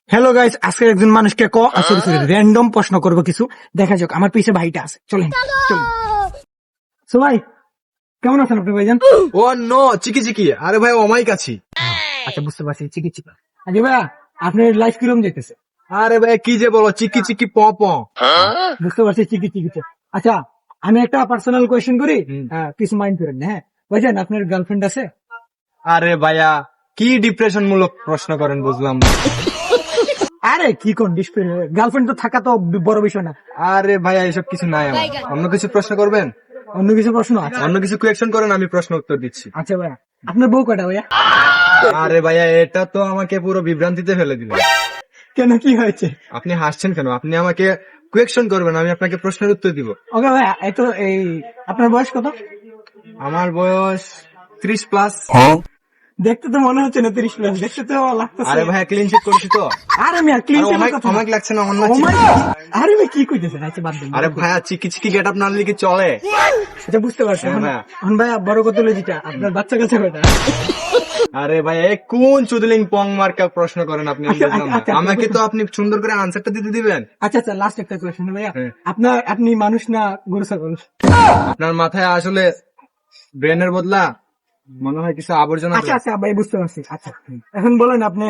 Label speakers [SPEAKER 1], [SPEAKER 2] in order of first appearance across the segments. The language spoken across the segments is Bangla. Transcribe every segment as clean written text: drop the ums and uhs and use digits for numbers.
[SPEAKER 1] হ্যালো গাইস, আজকে একজন মানুষকে র্যান্ডম প্রশ্ন করবো কিছু। দেখা যাক, আমার পিছে ভাইটা আছে, চলেন চলেন। সো ভাই, কেমন আছেন আপনি ভাইজান?
[SPEAKER 2] ও নো, চিকি চিকি। আরে ভাই অমাইক আছি।
[SPEAKER 1] আচ্ছা, বুঝতে পারছি, চিকিৎসা। আচ্ছা ভাইয়া, আপনার লাইফ কিরম যেতেছে?
[SPEAKER 2] আরে ভাই কি যে বলো, চিকি চিকি প প।
[SPEAKER 1] বুঝতে পারছি, চিকিৎসা। আচ্ছা, আমি একটা পার্সোনাল কোয়েশ্চেন করি, কিছু মাইন্ড করেন না, হ্যাঁ? ভাইজান, আপনার গার্লফ্রেন্ড আছে?
[SPEAKER 2] আরে ভাইয়া কি ডিপ্রেশন মূলক প্রশ্ন করেন বুঝলাম না।
[SPEAKER 1] আরে কি কোন গার্লফ্রেন্ড তো থাকা তো বড় বিষয় না।
[SPEAKER 2] আরে ভাইয়া এসব কিছু নাই আমার। অন্য কিছু প্রশ্ন করবেন?
[SPEAKER 1] অন্য কিছু প্রশ্ন আছে?
[SPEAKER 2] অন্য কিছু কোয়েকশন করেন, আমি প্রশ্ন উত্তর দিচ্ছি।
[SPEAKER 1] আচ্ছা ভাইয়া, আপনার বউ কয়টা ভাইয়া?
[SPEAKER 2] আরে ভাইয়া এটা তো আমাকে পুরো বিভ্রান্তিতে ফেলে দিল।
[SPEAKER 1] কেন, কি হয়েছে?
[SPEAKER 2] আপনি হাসছেন কেন? আপনি আমাকে কোয়েকশন করবেন, আমি আপনাকে প্রশ্নের উত্তর দিব।
[SPEAKER 1] ওকে ভাইয়া, এই আপনার বয়স কত?
[SPEAKER 2] আমার বয়স 30+।
[SPEAKER 1] দেখতে তো মনে হচ্ছে না 30 প্লাস, দেখতে তো লাগতেছে।
[SPEAKER 2] আরে ভাইয়া ক্লিন শিট করেছি তো।
[SPEAKER 1] আরে মিয়া, ক্লিন
[SPEAKER 2] অনেক লাগছে না? অন্য
[SPEAKER 1] আরে ভাই, কি কইতেছেন? আচ্ছা বাদ দেন।
[SPEAKER 2] আরে ভাইয়া চিকি চিকি গেট আপ না নিলে কি চলে?
[SPEAKER 1] আচ্ছা, বুঝতে পারছি।
[SPEAKER 2] হ্যাঁ ভাইয়া।
[SPEAKER 1] এখন ভাইয়া বড় কথা হলো যেটা, আপনার বাচ্চা কাছে কয়টা?
[SPEAKER 2] আরে ভাই কোন চুদলিং পং মার্কা প্রশ্ন করেন আপনি? আমি বুঝলাম না।
[SPEAKER 1] আচ্ছা,
[SPEAKER 2] আমাকে তো আপনি সুন্দর করে আনসারটা দিতে দিবেন।
[SPEAKER 1] আচ্ছা, লাস্ট একটা কোয়েশ্চেন ভাইয়া,
[SPEAKER 2] হ্যাঁ।
[SPEAKER 1] আপনি মানুষ না গরু ছাগল?
[SPEAKER 2] আপনার মাথায় আসলে ব্রেনের বদলা মনে হয় কিছু আবর্জনা।
[SPEAKER 1] আচ্ছা ভাই, বুঝতে পারছি। আচ্ছা, এখন বলেন আপনি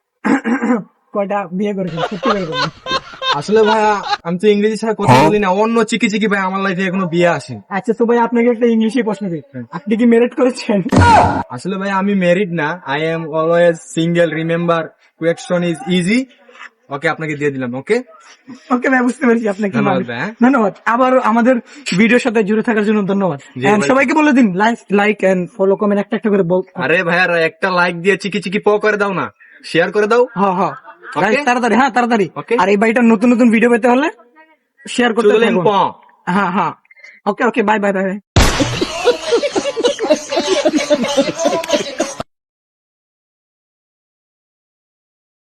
[SPEAKER 1] কয়টা বিয়ে করেছেন, সত্যি করে বলেন।
[SPEAKER 2] আসলে ভাইয়া আমি তো ইংরেজি ছাড়া কথা বলি না। অন্য চিকি চিকি ভাই আমার লাইফে এখনো বিয়ে আসেনি।
[SPEAKER 1] আচ্ছা, তো ভাই আপনাকে একটা ইংলিশে প্রশ্ন করি, আপনি কি মেরিট করেছেন?
[SPEAKER 2] আসলে ভাই আমি ম্যারিড না, I am always single. Remember, question is easy. Okay, আপনাকে দিয়ে দিলাম। ওকে
[SPEAKER 1] ওকে ভাই, বুঝতে পারছি আপনাকে।
[SPEAKER 2] ধন্যবাদ ভাই, হ্যাঁ।
[SPEAKER 1] ধন্যবাদ। আবার আমাদের ভিডিওর সাথে জুড়ে থাকার জন্য ধন্যবাদ।
[SPEAKER 2] জি
[SPEAKER 1] And
[SPEAKER 2] ভাই।
[SPEAKER 1] সবাইকে বলে দিন, লাইক এন্ড ফলো, কমেন্ট একটা করে বল।
[SPEAKER 2] আরে ভাইয়া একটা লাইক দিয়ে চিকি চিকি প করে দাও না, শেয়ার করে দাও।
[SPEAKER 1] হ্যাঁ
[SPEAKER 2] Okay?
[SPEAKER 1] Guys, তাড়াতাড়ি, হ্যাঁ তাড়াতাড়ি।
[SPEAKER 2] Okay?
[SPEAKER 1] আর এই ভাইটার নতুন নতুন ভিডিও পেতে হলে শেয়ার করতে
[SPEAKER 2] চুদলিং
[SPEAKER 1] থাকুন।
[SPEAKER 2] প।
[SPEAKER 1] হ্যাঁ, ওকে, বাই বাই বাই।